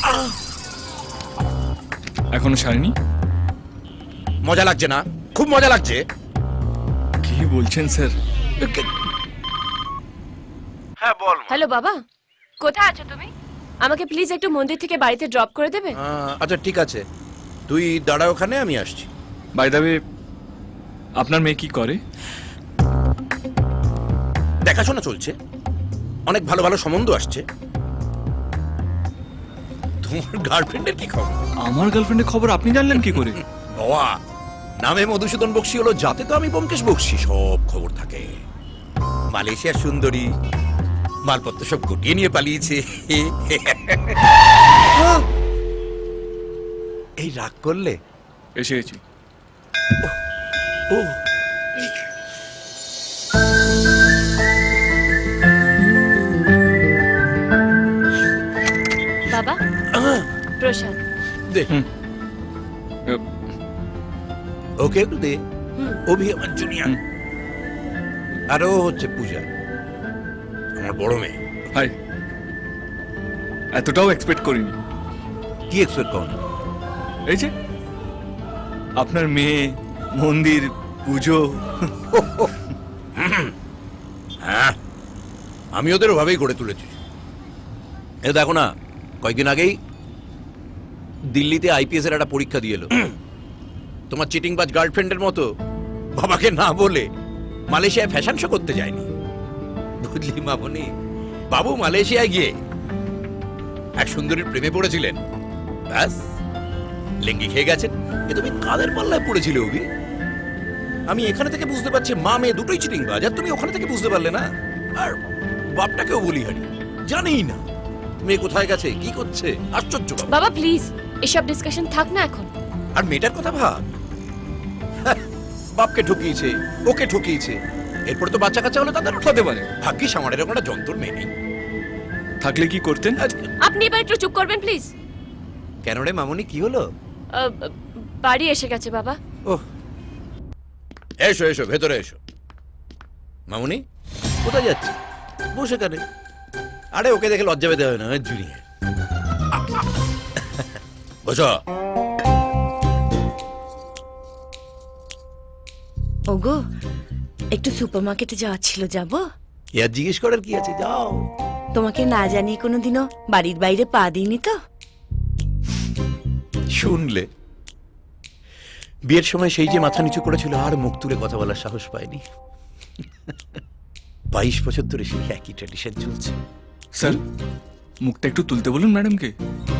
এখনো সারেনি? মজা লাগছে না? খুব মজা লাগছে। কি বলছেন স্যার? হ্যাঁ বল। হ্যালো বাবা, কোথায় আছো তুমি? আমাকে প্লিজ একটু মন্দির থেকে বাড়িতে ড্রপ করে দেবে? আচ্ছা ঠিক আছে, তুই দাঁড়া ওখানে, আমি আসছি। বাই দ্য ওয়ে, আপনার মেয়ে কি করে? দেখাশোনা চলছে, অনেক ভালো ভালো সম্বন্ধ আসছে। তোমার গার্লফ্রেন্ডের কি খবর? আমার গার্লফ্রেন্ডের খবর আপনি জানলেন কি করে? বাবা, নামে মধুসূদন বক্সি হলো, যাতে তো আমি ব্যোমকেশ বক্সি, সব খবর থাকে। মালয়েশিয়ার সুন্দরী, মালপত্র সব গুটিয়ে নিয়ে পালিয়েছে। এই রাগ করলে? এসে গেছি। ও বাবা, প্রসাদ। দে, হুম। ওকে একটু দে। অভি আমার জুনিয়র, হুম। আর ও হচ্ছে পূজা, আমার বড় মেয়ে। হাই। এতটাও এক্সপেক্ট করিনি। কি এক্সপেক্ট করেন? এই যে আপনার মেয়ে, মন্দির, পুজো। হ্যাঁ, আমি ওদের ওভাবেই গড়ে তুলেছি। এ দেখো না, কয়েকদিন আগেই দিল্লিতে আইপিএস এর একটা পরীক্ষা দিয়ে এলো। তোমার চিটিংবাজ গার্লফ্রেন্ডের মতো বাবাকে না বলে মালয়েশিয়ায় ফ্যাশন শো করতে যায়নি, বুঝলি মামনি? বাবু মালয়েশিয়ায় গিয়ে এক সুন্দরীর প্রেমে পড়েছিলেন, ব্যাস লেঙ্গি খেয়ে গেছেন। এ তুমি কাদের পাল্লায় পড়েছিলে অভি? আমি এখানে থেকে বুঝতে পারছি মা মেয়ে দুটোই চিটিংবাজ, আর তুমি ওখানে থেকে বুঝতে পারলে না। আর বাপটাকেও বলি হারি, জানেই না মেয়ে কোথায় গেছে, কি করছে। আশ্চর্য বাবা। বাবা প্লিজ, এসব ডিসকাশন থাক না এখন। আর মেয়েটার কথা ভাব, হ্যাঁ, বাপকে ঠকিয়েছে, ওকে ঠকিয়েছে, এরপরে তো বাচ্চা কাচ্চা হলে তাদের হতে পারে। ভাগ্যিস আমার এরকম একটা যন্ত্র মেয়ে নেই। থাকলে কি করতেন? আপনি এবার একটু চুপ করবেন প্লিজ। কেন রে মামনি, কি হলো? বাড়ি এসে গেছে বাবা। ওহ, এসো এসো, ভেতরে এসো। মামনি কোথায় যাচ্ছে? বসে কানে। আরে ওকে দেখে লজ্জা পেতে হবে না, জুনিয়র। বসো। ওগো, একটু সুপারমার্কেটে যাওয়ার ছিল, যাব? ইয়ার জিজ্ঞেস করার কি আছে, যাও। তোমাকে না জানিয়ে কোনোদিনও বাড়ির বাইরে পা দিইনি তো। শুনলে, বিয়ের সময় সেই যে মাথা নিচু করেছিল, আর মুখ তুলে কথা বলার সাহস পায়নি। 22 বছর ধরে সেই একই ট্র্যাডিশন চলছে। স্যার, মুখটা একটু তুলতে বলুন ম্যাডামকে।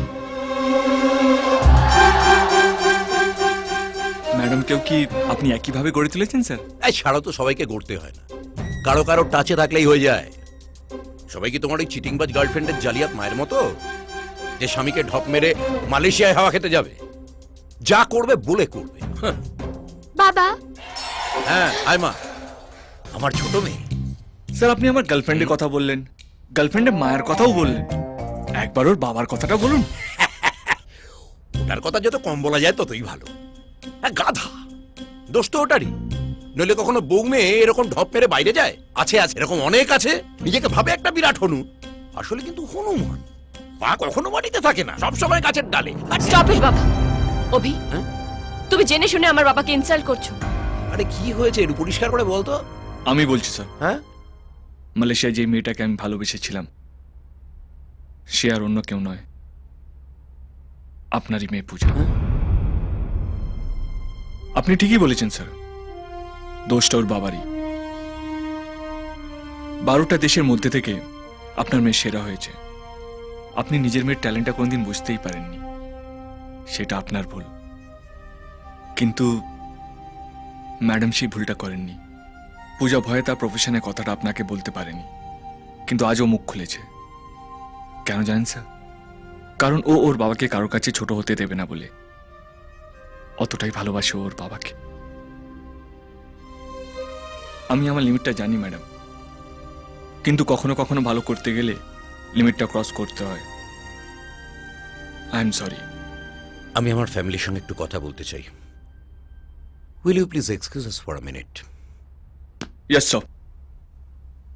ম্যাডামকেও কি আপনি একইভাবে গড়ে তুলেছেন স্যার? এই ছাড়াও তো, সবাইকে গড়তে হয় না, কারো কারো টাচে থাকলেই হয়ে যায়। সবাই কি তোমার ওই চিটিংবাজ গার্লফ্রেন্ডের জালিয়াত মায়ের মতো, যে স্বামীকে ঢপ মেরে মালয়েশিয়ায় হাওয়া খেতে যাবে? যা করবে বলে করবে। হাহ। বাবা, হ্যাঁ আয় মা, আমার ছোট মেয়ে। স্যার, আপনি আমার গার্লফ্রেন্ডের কথা বললেন, গার্লফ্রেন্ডের মায়ের কথাও বললেন, একবার ওর বাবার কথাটা বলুন। ওটার কথা যত কম বলা যায় ততই ভালো। হ্যাঁ, গাধা, দোষ তো ওটারই। নইলে কখনো বউ মেয়ে এরকম ঢপ মেরে বাইরে যায়? আছে আছে, এরকম অনেক আছে। নিজেকে ভাবে একটা বিরাট হনু, আসলে কিন্তু হনুমান। পা কখনো মাটিতে থাকে না, সবসময় গাছের ডালে। স্টপ ইট বাবা। অভি, হ্যাঁ? তুমি জেনে শুনে আমার বাবাকে ইনসাল্ট করছো। আরে কি হয়েছে, একটু পরিষ্কার করে বলতো। আমি বলছি স্যার, হ্যাঁ, মালয়েশিয়ায় যে মেয়েটাকে আমি ভালোবেসেছিলাম, সে আর অন্য কেউ নয়, আপনারই মেয়ে পূজা। আপনি ঠিকই বলেছেন স্যার, দোষটা ওর বাবারই। 12টা দেশের মধ্যে থেকে আপনার মেয়ে সেরা হয়েছে। আপনি নিজের মেয়ের ট্যালেন্টটা কোনোদিন বুঝতেই পারেননি, সেটা আপনার ভুল। কিন্তু ম্যাডাম সেই ভুলটা করেননি। পূজা ভয়ে তার প্রফেশনের কথাটা আপনাকে বলতে পারেনি, কিন্তু আজও মুখ খুলেছে। কেন জানেন স্যার? কারণ ও ওর বাবাকে কারোর কাছে ছোট হতে দেবে না বলে। অতটাই ভালোবাসে ওর বাবাকে। আমি আমার লিমিটটা জানি ম্যাডাম, কিন্তু কখনো কখনো ভালো করতে গেলে লিমিটটা ক্রস করতে হয়। I am sorry. আমি আমার ফ্যামিলির সঙ্গে একটু কথা বলতে চাই। Will you please excuse us for a minute? Yes sir.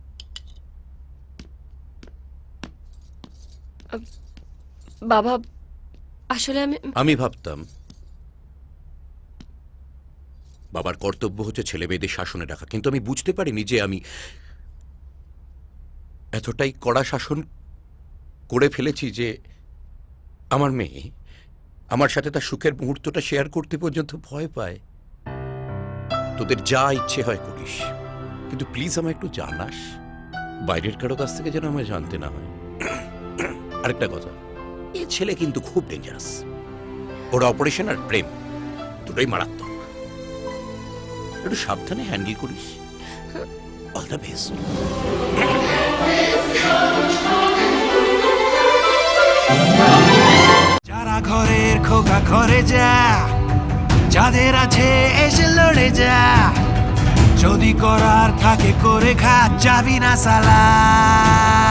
বাবা, আসলে আমি ভাবতাম বাবার কর্তব্য হচ্ছে ছেলে মেয়েদের শাসনে রাখা, কিন্তু আমি বুঝতে পারিনি যে আমি এতটাই কড়া শাসন করে ফেলেছি যে আমার মেয়ে আমার সাথে তার সুখের মুহূর্তটা শেয়ার করতে পর্যন্ত ভয় পায়। তোদের যা ইচ্ছে হয় করিস, কিন্তু প্লিজ আমায় একটু জানাস, বাইরের কারো কাছ থেকে যেন আমায় জানতে না হয়। আরেকটা কথা, এ ছেলে কিন্তু খুব ডেঞ্জারাস। ওর অপারেশন আর প্রেম দুটোই মারাত্মক। একটু সাবধানে হ্যান্ডেল করিস। All the best. যারা ঘরের খোকা ঘরে যা, যাদের আছে এসে লড়ে যা, যদি করার থাকে করে খা, যাবি না সালা।